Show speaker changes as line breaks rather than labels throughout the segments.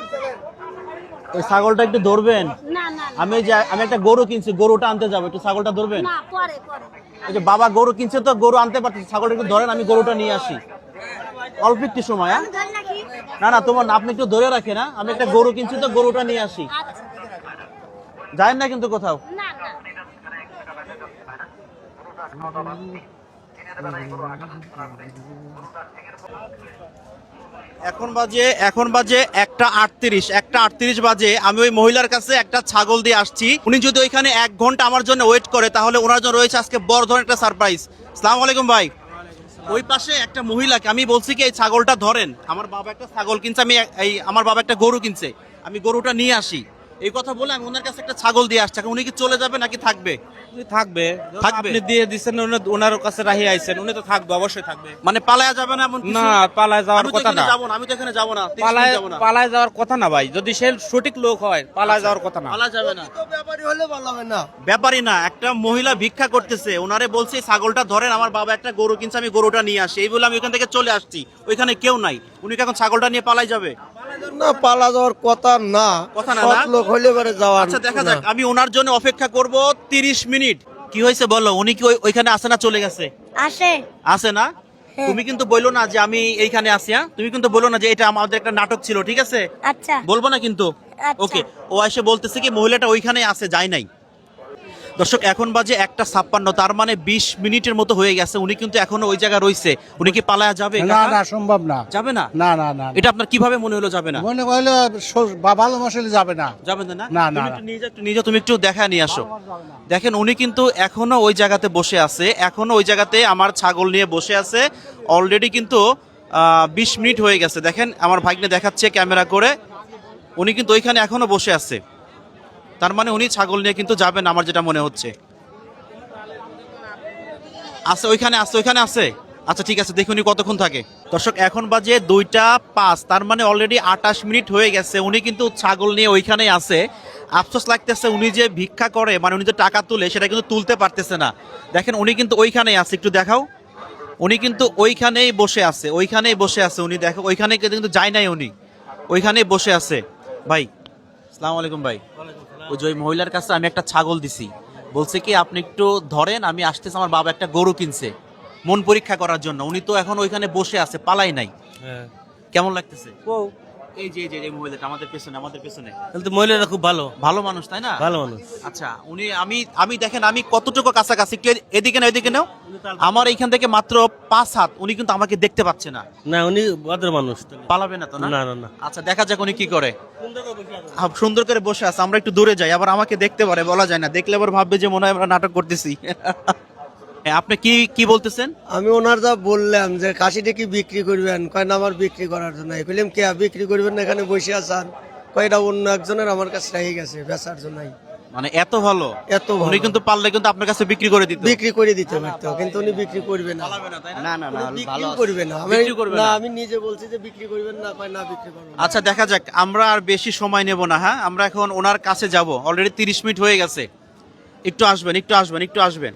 এই ছাগলটা একটু ধরবেন?
না না
আমি একটা গরু কিনছি, গরুটা আনতে যাবো, একটু ছাগলটা ধরবেন?
না, পরে পরে।
ওই যে বাবা গরু কিনছে তো, গরু আনতে পারছি, ছাগলটা একটু ধরেন, আমি গরুটা নিয়ে আসি। অল্প একটু সময়। হ্যাঁ,
ধরে রাখি।
না না, তোমার আপনি একটু ধরে রাখেন। না, আমি একটা গরু কিনছি তো, গরুটা নিয়ে আসি।
আচ্ছা।
যায় না কিন্তু কোথাও।
না না।
এখন বাজে 1:38 বাজে। আমি ওই মহিলার কাছে একটা ছাগল দিয়ে আসছি। উনি যদি ওইখানে 1 ঘন্টা আমার জন্য ওয়েট করে, তাহলে ওনার জন্য রয়েছে আজকে বড় ধরনের একটা সারপ্রাইজ। আসসালামু আলাইকুম ভাই। ওই পাশে একটা মহিলাকে আমি বলছি কি এই ছাগলটা ধরেন, আমার বাবা একটা ছাগল কিনছে, আমার বাবা একটা গরু কিনছে, আমি গরুটা নিয়ে আসি। এই কথা বলে আমি ওনার কাছে একটা ছাগল দিয়ে আসছি। এখন উনি কি চলে যাবে নাকি থাকবে?
থাকবে।
থাকবে।
আপনি দিয়ে দিচ্ছেন, ওনার কাছে রাহি আইছেন, উনি তো থাকবে, অবশ্যই থাকবে।
মানে পালায়া যাবে না এমন কিছু?
না, পালায় যাওয়ার
আমি তো
কথা
এখানে
না।
যাবো না, আমি তো এখানে যাবো না, 30 মিনিট যাবো না।
পালায় যাওয়ার কথা না ভাই, যদি সে সঠিক লোক হয় পালায় যাওয়ার কথা না।
পালা যাবে না।
ব্যাপারী হলে ভালো হবে না।
ব্যাপারই না, একটা মহিলা ভিক্ষা করতেছে, ওনারে বলছি ছাগলটা ধরেন, আমার বাবা একটা গরু কিনছে, আমি গরুটা নিয়ে আসি। এই বলে আমি ওখান থেকে চলে আসছি, ওইখানে কেউ নাই। উনি কি এখন ছাগলটা নিয়ে পালাই যাবে?
না, পালা যাওয়ার কথা না।
কথা না,
সৎ
না?
লোক হইলে পরে যাওয়ার।
আচ্ছা দেখা যাক, আমি ওনার জন্য অপেক্ষা করব 30 মিনিট। কি হয়েছে বলো, উনি কি ওইখানে আসে না চলে গেছে?
আসে।
আসে না? তুমি কিন্তু বললো না যে আমি এইখানে আসি। হ্যাঁ, তুমি কিন্তু বললো না যে এটা আমাদের একটা নাটক ছিল, ঠিক আছে?
আচ্ছা।
বলবো না কিন্তু।
আচ্ছা।
ওকে, ও এসে বলতেছে কি মহিলাটা ওইখানে আছে, যায় নাই। দর্শক, এখন বাজে 1:56, তার মানে 20 মিনিটের মতো হয়ে গেছে। উনি কিন্তু এখনো ওই জায়গায় রইছে। উনি কি পালায়া যাবে?
না
কাকা?
না, সম্ভব না।
যাবে না?
না না না,
এটা আপনার কিভাবে মনে হলো যাবে না?
মনে করলে ভালো মশলে যাবে না।
যাবে না?
না,
তুমি
না,
একটু নিয়ে যাও, তুমি একটু দেখা নিয়ে আসো। দেখেন উনি কিন্তু এখনো ওই জায়গাতে বসে আছে, এখনো ওই জায়গাতে আমার ছাগল নিয়ে বসে আছে। অলরেডি কিন্তু 20 মিনিট হয়ে গেছে। দেখেন আমার ভাগ্নে দেখাচ্ছে ক্যামেরা করে, উনি কিন্তু ওইখানে এখনো বসে আছে। তার মানে উনি ছাগল নিয়ে কিন্তু যাবেন, আমার যেটা মনে হচ্ছে। আছে ওইখানে আছে। আচ্ছা ঠিক আছে, দেখুন উনি কতক্ষণ থাকে। দর্শক, এখন বাজে 2:05, তার মানে অলরেডি 28 মিনিট হয়ে গেছে। উনি কিন্তু ছাগল নিয়ে ওইখানেই আছে। আফসোস লাগতেছে, উনি যে ভিক্ষা করে, মানে উনি যে টাকা তুলে, সেটা কিন্তু তুলতে পারতেছে না। দেখেন উনি কিন্তু ওইখানেই আছে, একটু দেখাও। উনি কিন্তু ওইখানেই বসে আছে, উনি দেখো ওইখানে কিন্তু যায় নাই, উনি ওইখানেই বসে আছে। ভাই আসসালামু আলাইকুম ভাই। ওই যে ওই মহিলার কাছে আমি একটা ছাগল দিছি, বলছে কি আপনি একটু ধরেন, আমি আসতেছি, আমার বাবা একটা গরু কিনছে মন পরীক্ষা করার জন্য। উনি তো এখন ওইখানে বসে আছে, পালাই নাই। কেমন লাগতেছে? এই যে মহিলাটা আমাদের পেছনে
তাহলে তো মহিলারা খুব
ভালো মানুষ, তাই না?
ভালো মানুষ।
আচ্ছা, উনি আমি দেখেন আমি কতটুকু কাছাকাছি, একটু এদিকে নাও। আমার এইখান থেকে মাত্র 5 হাত, উনি কিন্তু আমাকে দেখতে পাচ্ছে না।
না, উনি ভদ্র মানুষ।
পালাবে না তো?
না না না।
আচ্ছা দেখা যাক উনি কি করে। সুন্দর করে বসে আছে, আমরা একটু দূরে যাই, আবার আমাকে দেখতে পারে, বলা যায় না, দেখলে আবার ভাববে যে মনে হয় আমরা নাটক করতেছি। আপনি কি বলতেছেন?
আমি ওনার যা বললাম যে খাসিটা কি বিক্রি করবেন, কয় না আমার বিক্রি করার জন্য। কইলাম কে বিক্রি করবেন না, এখানে বসে আছেন? কয়টা অন্য একজনের আমার কাছে রেখে গেছে বেচার জন্য।
মানে এত ভালো?
এত ভালো।
উনি কিন্তু পারলে কিন্তু আপনার কাছে বিক্রি করে দিত।
বিক্রি করে দিতে পারতো, কিন্তু উনি বিক্রি করবে না।
না না না,
বিক্রি করবে না।
বিক্রি করবে না।
আমি নিজে বলছি যে বিক্রি করবেন না, কয় না বিক্রি করবো না।
আচ্ছা দেখা যাক, আমরা আর বেশি সময় নেব না। হ্যাঁ, আমরা এখন ওনার কাছে যাব, অলরেডি 30 মিনিট হয়ে গেছে। একটু আসবেন।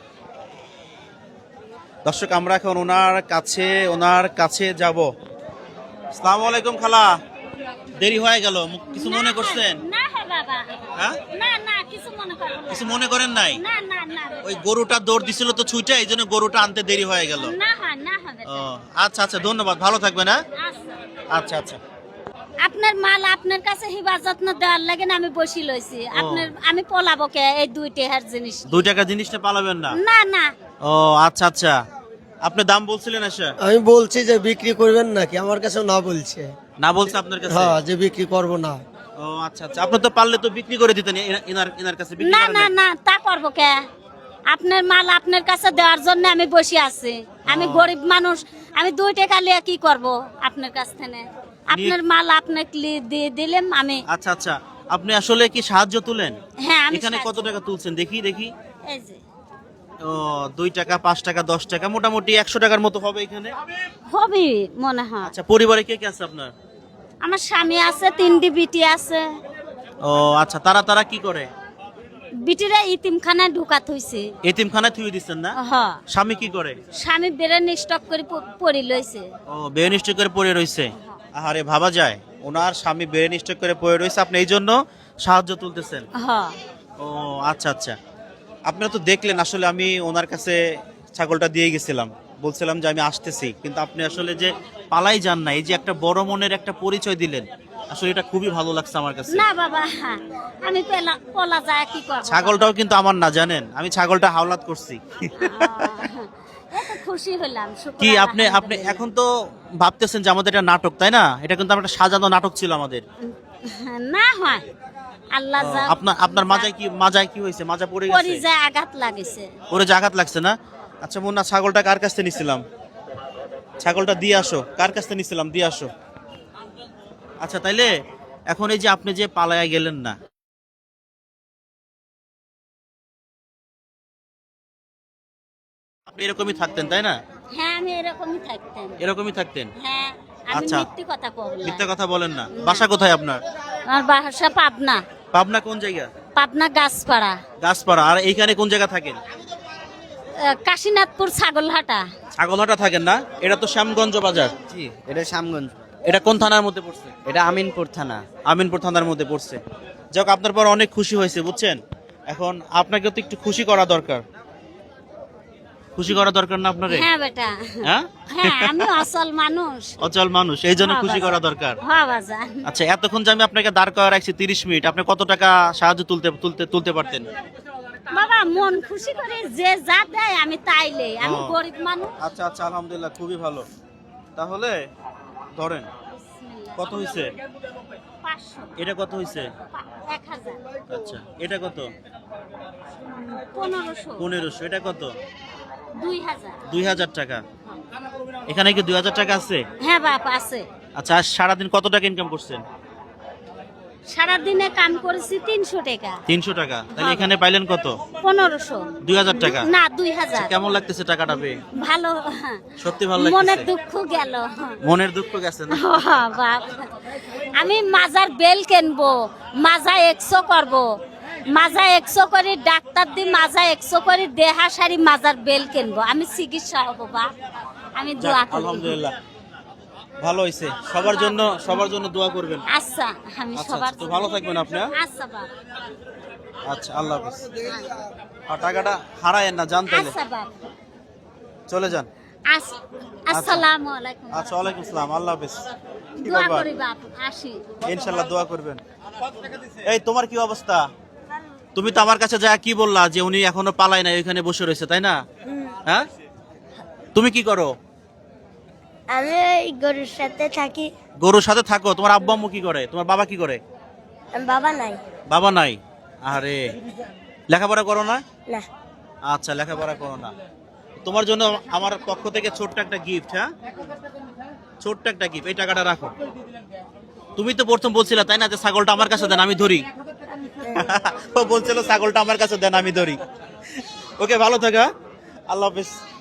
দর্শক, আমরা এখন ওনার কাছে যাব। আসসালামু আলাইকুম খালা, দেরি হয়ে গেল, কিছু মনে করছেন?
না হে বাবা।
হ্যাঁ,
না কিছু মনে করব না।
কিছু মনে করেন নাই?
না।
ওই গরুটা দৌড় দিছিল তো ছুটে, এই জন্য গরুটা আনতে দেরি হয়ে গেল।
না হবে।
ও আচ্ছা, ধন্যবাদ, ভালো থাকবেন। হ্যাঁ, আচ্ছা।
আপনার মাল আপনার কাছে হিফাজত যত্ন দেওয়ার লাগে না, আমি বসি লইছি। আমি পলাবো কে এই 2 টাকার জিনিস?
2 টাকা জিনিসটা পালাবেন না?
না।
ও আচ্ছা, আপনি দাম বলছিলেন? আচ্ছা,
আমি বলছি যে বিক্রি করবেন নাকি, আমার কাছে না বলছে।
না বলছে আপনার কাছে?
হ্যাঁ, যে বিক্রি করব না।
ও আচ্ছা, আপনি তো পারলে তো বিক্রি করে দিতেন এনার কাছে। বিক্রি করেন নাই?
না তা করবো কে? আপনার মাল আপনার কাছে দেওয়ার জন্য আমি বসে আছি। আমি গরিব মানুষ, আমি 2 টাকা লিয়ে কি করব আপনার কাছ থেকে? আপনার মাল আপনাকে দিয়ে দিলাম আমি।
আচ্ছা, আপনি আসলে কি সাহায্য তুলেন?
হ্যাঁ, আমি
এখানে কত টাকা তুলছেন দেখি?
এই যে
ও 2 টাকা, 5 টাকা, 10 টাকা, মোটামুটি 100 টাকার মতো হবে এখানে।
হবে মনে হয়।
আচ্ছা, পরিবারে কে আছে আপনার?
আমার স্বামী আছে, 3টি বিটি আছে।
ও আচ্ছা, তারা কি করে?
বিটিরা ইতিমখানায় ঢুকাত হইছে।
এতিমখানায় থুই দিচ্ছেন না?
হ্যাঁ।
স্বামী কি করে?
স্বামী বেরেন স্টক করে পড়ি লইছে।
ও বেনিষ্ঠ করে পড়ে রইছে। আরে ভাবা যায়, ওনার স্বামী ব্রেন স্ট্রোক করে পড়ে রয়েছে, আপনি এই জন্য সাহায্য তুলতেছেন।
হ
ও আচ্ছা আচ্ছা, আপনারা তো দেখলেন আসলে আমি ওনার কাছে ছাগলটা দিয়ে গেছিলাম, বলছিলাম যে আমি আসতেছি, কিন্তু আপনি আসলে যে পালাই যান না, এই যে একটা বড় মনের একটা পরিচয় দিলেন, আসলে এটা খুবই ভালো লাগছে আমার কাছে।
না বাবা, আমি পলা যায় কি করব?
ছাগলটাও কিন্তু আমার না, জানেন, আমি ছাগলটা হাওলাত করছি।
এত খুশি হলাম।
কি আপনি আপনি এখন তো ভাবতেছেন যে আমাদের এটা নাটক, তাই না? এটা কিন্তু আমরা একটা সাজানো নাটক ছিল আমাদের।
না হয় আল্লাহ যা
আপনার আপনার মাজায় কি হয়েছে? মাজা পড়ে
পরি
গেছে,
যায় আঘাত লাগেছে।
পরে যে আঘাত লাগছে না? আচ্ছা মুন্না, ছাগলটা কার কাছ থেকে নিছিলাম? ছাগলটা দিয়ে আসো, কার কাছ থেকে নিছিলাম দিয়ে আসো। আচ্ছা তাইলে এখন এই যে আপনি যে পালায়া গেলেন না, আপনি এরকমই থাকতেন তাই না?
হ্যাঁ আমি এরকমই থাকতাম।
এরকমই থাকতেন?
হ্যাঁ আমি
আচ্ছা।
মিথ্যে কথা বললাম।
মিথ্যা কথা বলেন না। বাসা কোথায় আপনার?
আমার বাসা পাবনা।
পাবনা কোন জায়গা?
পাবনা গাছপাড়া,
গাছপাড়া। আর এইখানে কোন জায়গা থাকেন?
কাশীনাথপুর ছাগলহাটা।
ছাগলহাটা থাকেন না? এটা তো শ্যামগঞ্জ বাজার।
জি, এটা শ্যামগঞ্জ।
এটা কোন থানার মধ্যে পড়ছে?
এটা আমিনপুর থানা।
আমিনপুর থানার মধ্যে পড়ছে। যাক, আপনার পর অনেক খুশি হয়েছে বুঝছেন। এখন আপনাকে তো একটু খুশি করা দরকার, খুশি করা দরকার না আপনারে?
হ্যাঁ বেটা,
হ্যাঁ
হ্যাঁ আমি অসল মানুষ।
অচল মানুষ, এই জন্য
হ্যাঁ,
খুশি
বাজার।
করা দরকার।
হ্যাঁ বাজান।
আচ্ছা, এতক্ষণ যে আমি আপনাকে দাঁড় করা রাখছি 30 মিনিট, আপনি কত টাকা সাহায্য তুলতে পারতেন?
বাবা মন খুশি করে যে যা দেয় আমি তাইলে, আমি
ও।
গরিব মানুষ।
আচ্ছা আচ্ছা, আলহামদুলিল্লাহ, খুবই ভালো। তাহলে ধরেন কত হয়েছে?
500,
এটা কত হয়েছে?
1000,
আচ্ছা, এটা কত?
1500,
1500। এটা কত?
2000।
2000 টাকা। এখানে কি 2000 টাকা আছে?
হ্যাঁ বাপ আছে।
আচ্ছা, আজ সারাদিন কত টাকা ইনকাম করছেন?
সারাদিনে কাম করেছি 300 টাকা।
300 টাকা। তাহলে এখানে পাইলেন কত?
1500।
2000 টাকা।
না 2000।
কেমন লাগতেছে টাকাটা পেয়ে?
ভালো।
সত্যি ভালো
মনের
লাগতেছে?
দুঃখ গেল।
মনের দুঃখ গেছে না?
বাপ, আমি মাজার বেল কিনবো, মাজা 100 করবো, মাজা 100 করে ডাক্তার দি, মাজা 100 করে দেহা সারি মাজার বেল কিনবো, আমি চিকিৎসা হবো বাপ। আমি দোয়া
যাক,
করি।
আলহামদুলিল্লাহ, ভালো হয়েছে। সবার জন্য দোয়া করবেন।
আচ্ছা আমি
আচ্ছা,
সবার
তো ভালো থাকবেন আপনি। হ্যাঁ?
আচ্ছা বাপ,
আচ্ছা, আল্লাহ হাফেজ। আর টাকাটা হারায়েন না, জান তাইলে
আচ্ছা বাপ।
চলে যান।
আসসালামু আলাইকুম।
আচ্ছা, ওয়ালাইকুম আসসালাম, আল্লাহ হাফেজ। কি
দোয়া
ব্যাপার?
করি বাপ, আসি।
ইনশাল্লাহ দোয়া করবেন। এই তোমার কি অবস্থা? তুমি তো আমার কাছে যা কি বললা যে উনি এখনো পালায় না, ওইখানে বসে রয়েছে, তাই না? হ্যাঁ, তুমি কি করো?
আমি ওই গরুর সাথে থাকি।
গরুর সাথে থাকো। তোমার আব্বু আম্মু কি করে? তোমার বাবা কি করে?
বাবা নাই।
বাবা নাই? আরে, লেখাপড়া করো না?
না।
আচ্ছা, লেখাপড়া করো না। তোমার জন্য আমার পক্ষ থেকে ছোট্ট একটা গিফট। হ্যাঁ, ছোট্ট একটা গিফট। এই টাকাটা রাখো। তুমি তো প্রথম বলছিলে তাই না যে ছাগলটা আমার কাছে দেন আমি ধরি। ও বলছিল ছাগলটা আমার কাছে দেন আমি ধরি। ওকে, ভালো থাকা, আল্লাহ হাফেজ।